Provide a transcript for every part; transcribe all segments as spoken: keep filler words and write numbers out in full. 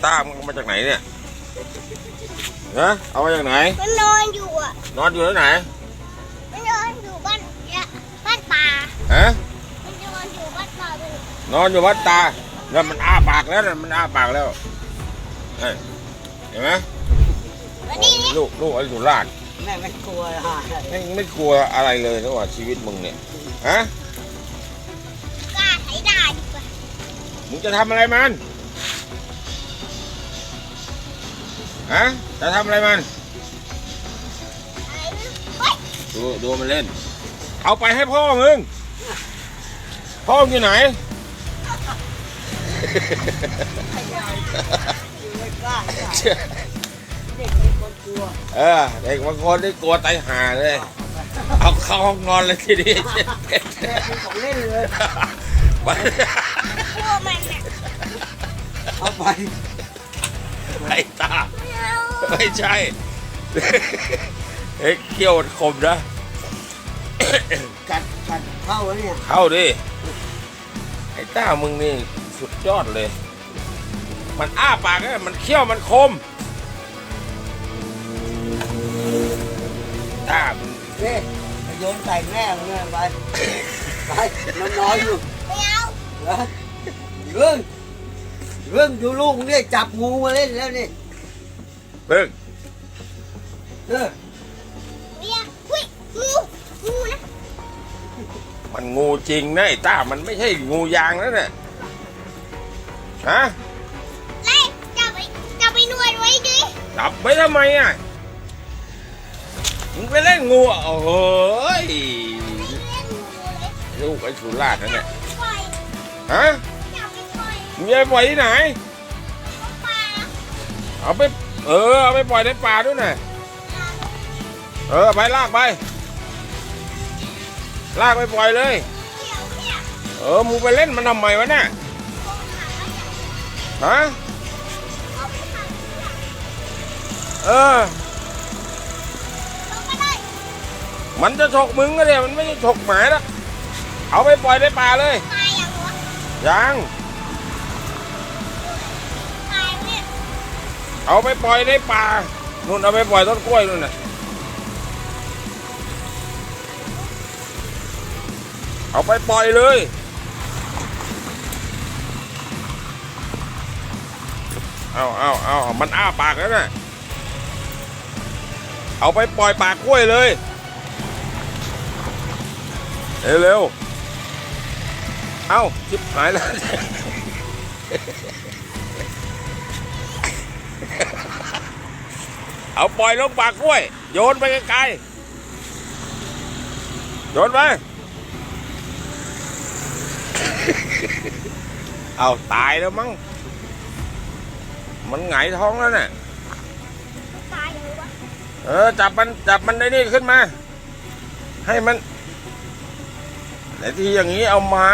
ต้ามึงเอามาจากไหนเนี่ยฮะเอามาจากไหนมันนอนอยู่อ่ะนอนอยู่ที่ไหนมันนอนอยู่บ้านบ้านตาฮะมันนอนอยู่บ้านตานอนอยู่บ้านตาแล้วมันอ้าปากแล้วมันอ้าปากแล้วเห็นไหมลูกลูกไอ้สุราษฎร์แม่ไม่กลัวฮะไม่ไม่กลัวอะไรเลยนะว่าชีวิตมึงเนี่ยฮะกล้าใช้ได้ดีกว่ามึงจะทำอะไรมันฮะจะทำอะไรมันดูดูมันเล่นเอาไปให้พ่อมึงพ่อมึงอยู่ไหนเออเด็กบางคนได้กลัวตายห่าเลยเอาเข้าห้องนอนเลยทีนี้ของเล่นเลยกลัวมันเอาไปไอ้ตาไม่ใช่เฮ้ยเขี้ยวคมนะกัดกัดเข้าแล้วเนี่ยเข้าดิไอ้ต้ามึงนี่สุดยอดเลยมันอ้าปากเนี่ยมันเขี้ยวมันคมต้ามึงเฮ้ยโยนใส่แม่มึงเลยไปไปมันนอนอยู่ไม่เอาเหรอเรื่องเรื่องดูลูกเนี่ยจับงูมาเล่นแล้วนี่เบิ้งเออเบียร์หุ้ยงูงูนะมันงูจริงนะไอ้ต้ามันไม่ใช่งูยางแล้วเนี่ยฮะไล่จับไปจับไปนวดไว้ดิจับไว้ทำไมอ่ะมึงไปเล่นงูอ่ะโอ้โหลูกไอ้สุราษฎร์นั่นแหละฮะมึงจะไปปล่อยที่ไหนเอาไปเออเอาไปปล่อยในป่าด้วยนะเออไปลากไปลากไปปล่อยเลยเออมึงไปเล่นมันทำไมวะเนี่ยฮะเออมันจะฉกมึงก็เนี่ยมันไม่ใช่ฉกหมาแล้วเอาไปปล่อยในป่าเลยยังเอาไปปล่อยในป่านู่นเอาไปปล่อยต้นกล้วยนู่นน่ะเอาไปปล่อยเลยเอาเอาเอามันอ้าปากแล้วน่ะเอาไปปล่อยปากกล้วยเลยเร็วเร็วเอาชิบหายแล้วเอาปล่อยลงปากกล้วยโยนไปไกลๆโยนไปเอาตายแล้วมั้งมันหงายท้องแล้วน่ะเออจับมันจับมันได้นี่ขึ้นมาให้มันแต่ที่อย่างนี้เอาไม้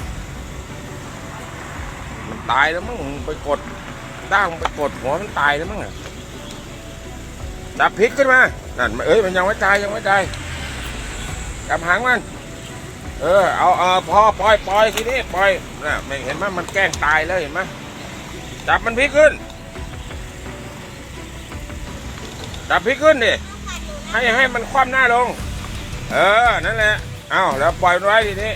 มันตายแล้วมั้งไปกดด้างไปกดหัวมันตายแล้วมั้งจับพลิกขึ้นมานั่นเอ้ยมันยังไม่ตายยังไม่ตายจับหางมันเออเอาเออพอปล่อยปล่อยทีนี้ปล่อยน่ะไม่เห็นไหมมันแกล้งตายแล้วเห็นไหมจับมันพลิกขึ้นจับพลิกขึ้นดิให้ให้มันคว่ำหน้าลงเออนั่นแหละเอาแล้วปล่อยมันไว้ทีนี้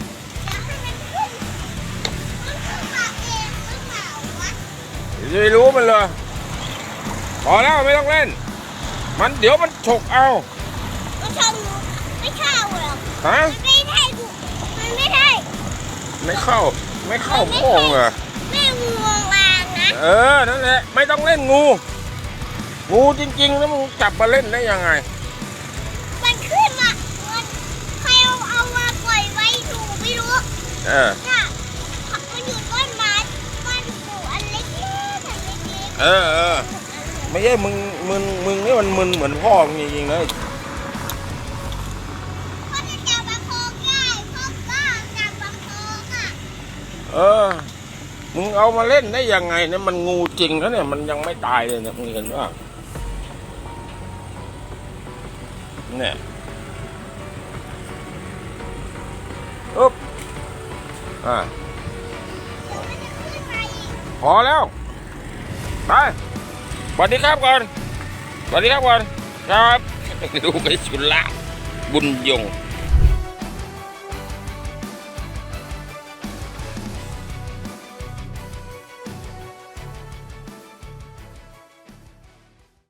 จะไปรู้มันเลยพอแล้วไม่ต้องเล่นมันเดี๋ยวมันฉกเอามันฉกไม่เข้าหรอกฮะไม่ได้มันไม่ได้ไม่เข้าไม่เข้าโป่งเหรอแม่งูวางนะเออนั่นแหละไม่ต้องเล่นงูงูจริงๆแล้วมึงจับมาเล่นได้ยังไงมันขึ้นมามันใครเอาเอามาปล่อยไว้ถูกไม่รู้เออน่ะมันอยู่ต้นไม้มันอยู่อันเล็กๆอันเล็กๆเออเออไม่ใช่มึงมึงมึงนี่มันมึนเหมือนพ่อมึงจริงๆเลยพ่อจะจับประคองได้พ่อก็จับประคองอ่ะเออมึงเอามาเล่นได้ยังไงเนี่ยมันงูจริงแล้วเนี่ยมันยังไม่ตายเลยเนี่ยมึงเห็นว่าเนี่ยอุ๊บอ่าพอแล้วไปสวัสดีครับก่อนสวัสดีครับก่อนครับดูไปสุดละบุญยง